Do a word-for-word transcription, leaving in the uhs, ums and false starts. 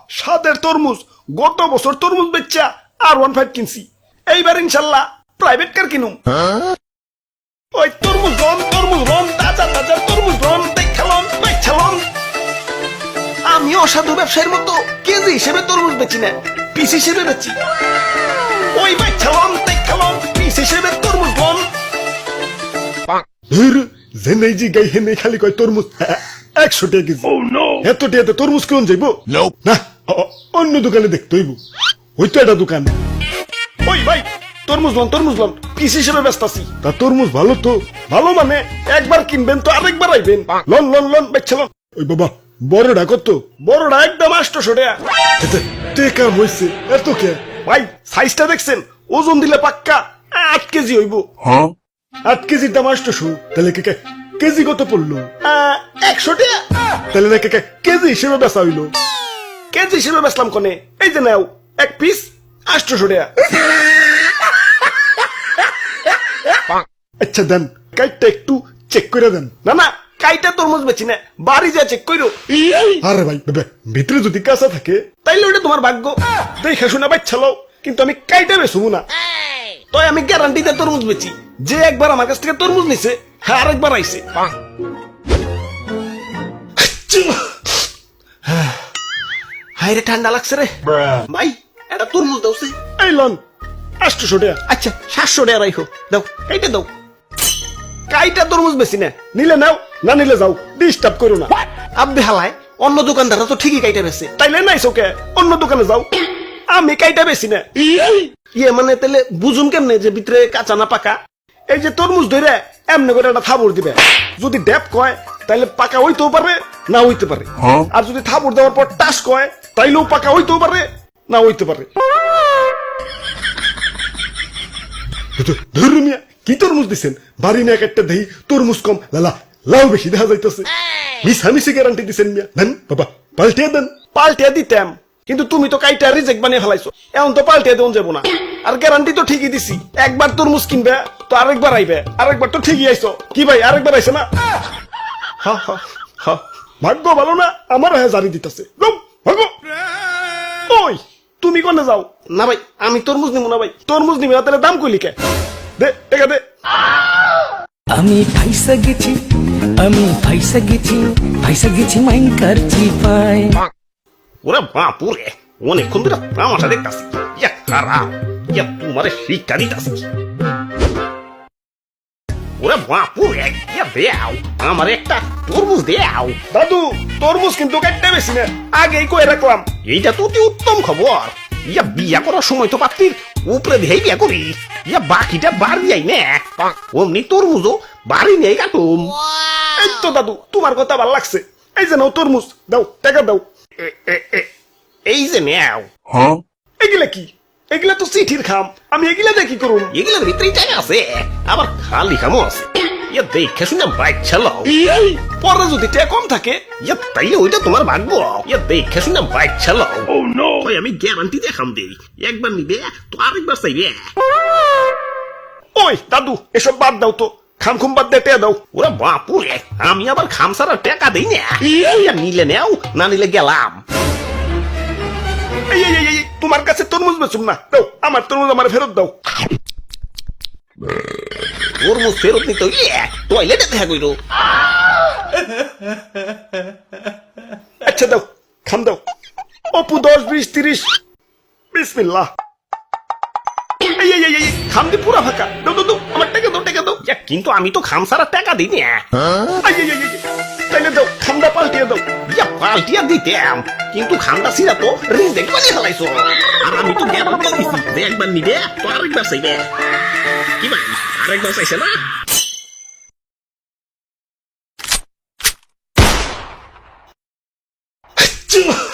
স্বাদের তরমুজ, গত বছর তরমুজ বেচা আর ওয়ান ফাইভ কিনছি, এইবার ইনশাল্লাহ প্রাইভেট কার কিনুম। ওই তরমুজ রন, তরমুজ রন, তাজা তাজা তরমুজ রন, দেখালন বেচালন। আমি অসাধু ব্যবসায়ীর মতো কেজি হিসেবে তরমুজ বেচি না, পিস হিসেবে বেচি। ওই বেচালন দেখালন, পিস হিসেবে তরমুজ রন। জেনে জি গাই হেনে খালি কয় তরমুজ একশো টাকা কেজি। এত টাকাতে তরমুজ কেমন যাইব না, অন্য দোকানে দেখতে হইব। ওই তো একটা দোকান। ওই ভাই তরমুজ লন, তরমুজ লন, পিস হিসেবে ব্যস্ত আছি। তা তরমুজ ভালো তো, ভালো মানে একবার কিনবেন তো আরেকবার আইবেন। লন লন লন বেচলন। ওই বাবা বড়টা কত? বড়টা একদম আটশো টাকা। টেকা হইছে এত কে? ভাই সাইজটা দেখছেন? ওজন দিলে পাক্কা আট কেজি হইব। আট কেজির দাম আটশো, তাহলে কে কেজি কত পড়লো? একশো টাকা। তাহলে না কে কেজি হিসেবে বেচা হইলো। কেজি হিসেবে বেচলাম কোনে? এই যে নাও এক পিস আটশো টাকা। আচ্ছা দেন, কাইটটা একটু চেক করে দেন। না না, কাইটা তরমুজ বেচি না, বাড়ি যা চেক কইরো। আরে ভাই ভিতরে যদি কাঁচা থাকে তাইলে ওটা তোমার ভাগ্য, দেখে শুনে বাচ্চালো, কিন্তু আমি কাইটা বেচবো না। তাই আমি গ্যারান্টিতে তরমুজ বেচি। যে একবার আমার কাছ থেকে তরমুজ নিছে, হ্যাঁ আরেকবার আইছে। হাই রে ঠান্ডা লাগছে রে ভাই, এটা তরমুজ দাও। এই লন আটশো টাকা। আচ্ছা সাতশো টাকা রাখো, দাও এইটা দাও। কাইটা তরমুজ বেশি না, নিলে নাও, না নিলে যাও, ডিস্টার্ব করো না। আব্বে হালায়, অন্য দোকানদাররা তো ঠিকই কাইটা বেছে, তাইলে নাই চোখে অন্য দোকানে যাও। আমি কাইটা বেশি না। ইয়ে মানে তাহলে বুঝুন কেমনে যে ভিতরে কাঁচা না পাকা? এই যে তরমুজ ধরে এমনি করে একটা থাবড় দিবে, যদি ডেপ কয় তাইলে পাকা হইতেও পারে না হইতে পারে, আর যদি থাবড় দেওয়ার পর টাস কয় তাইলেও পাকা হইতেও পারে না হইতে পারে। ধর্মিয়া কি তরমুজ দিচ্ছেন? বাড়ি না একটা দেহি তরমুজ কম, লালা লাউ বেশি দেখা যাইতেছে। মিশামিশি গ্যারান্টি দিচ্ছেন মিয়া, দেন বাবা পাল্টিয়ে দেন। পাল্টিয়ে দিতাম, কিন্তু তুমি তো কাইটা রিজেক্ট বানিয়ে ফেলাইছো, এখন তো পাল্টিয়ে দেন যাবো না। আর গ্যারান্টি তো ঠিকই দিছি, একবার তরমুজ কিনবে তো আরেকবার আইবে, আরেকবার তো ঠিকই আইছো। কি ভাই আরেকবার আইছে না? হা হা হা, ভাগ্য ভালো না আমার হ্যাঁ জারি দিতেছে। ওই তুমি কোনে যাও? না ভাই আমি তরমুজ নিব না। ভাই তরমুজ নিবি না তাহলে দাম কইলি কে? দে টাকা দে। আমি ফাইসা গেছি, আমি ফাইসা গেছি, ফাইসা গেছি মাইন কারছি পায়। ওরে বাপুরে, অনেকক্ষণ ধরে তামাশা দেখতাছি। ইয়া খারাপ, ইয়া তোমারে শিক্ষা দিতাছি। ওরে বাপুরে, ইয়া দেও আমার একটা তরমুজ দেও। দাদু তরমুজ কিন্তু কাটতে বেশি না, আগেই কয়ে রাখলাম। এইটা তো অতি উত্তম খবর। ইয়া বিয়া করার সময় তো পাত্রীর উপরে দিয়েই বিয়া করি, ইয়া বাকিটা বাড়ি যাই না, অমনি তরমুজও বাড়ি নেই কাটুম। এই তো দাদু তোমার কথা ভাল লাগছে, এই যে নাও তরমুজ, দাও টাকা দাও। এই যে নেও। এগুলা কি? এগুলা তো চিঠির খাম, আমি এগুলা দিয়ে কি করুম? এগুলার ভিতরেই টাকা আছে, আবার খালি খামও আছে। ইয়া দেখে শুনে বাইক চালাও, পরে যদি টাকা কম থাকে ইয়া তাইলে ওইটা তোমার ভাগ্য। ইয়া দেখে শুনে বাইক চালাও। ওই আমি গ্যারান্টি দিয়ে খাম দেই, একবার নিবে তো আরেকবার চাইবে। ওই দাদু এসব বাদ দাও তো, খাম খুম বাদ দিয়ে টাকা দাও। ওরা বাপুরে, আমি আবার খাম ছাড়া টাকা দেই না। ইয়া নিলে নেও, না নিলে গেলাম। এই এই এই তোমার কাছে তরমুজ বেচুম না, দাও আমার তরমুজ আমার ফেরত দাও। তরমুজ ফেরত নিতে টয়লেটে দেখা কইরো। আচ্ছা দাও খাম দাও। অপু দশ বিশ তিরিশ, বিসমিল্লাহ। এই এই এই খাম দি পুরা ফাঁকা, দাও দাও দাও আমার টাকা দাও, টাকা দাও। কিন্তু আমি তো খাম ছাড়া টাকা দিই না। তাইলে দাও খামটা পাল্টিয়ে দাও। ইয়া পাল্টিয়ে দিতাম, কিন্তু খামটা ছিড়া তো রিজেক্ট বানিয়ে ফেলাইছো। আর আমি তো গ্যারান্টি দিছি যে একবার নিবে তো আরেকবার চাইবে। কি ভাই আরেকবার চাইছে না?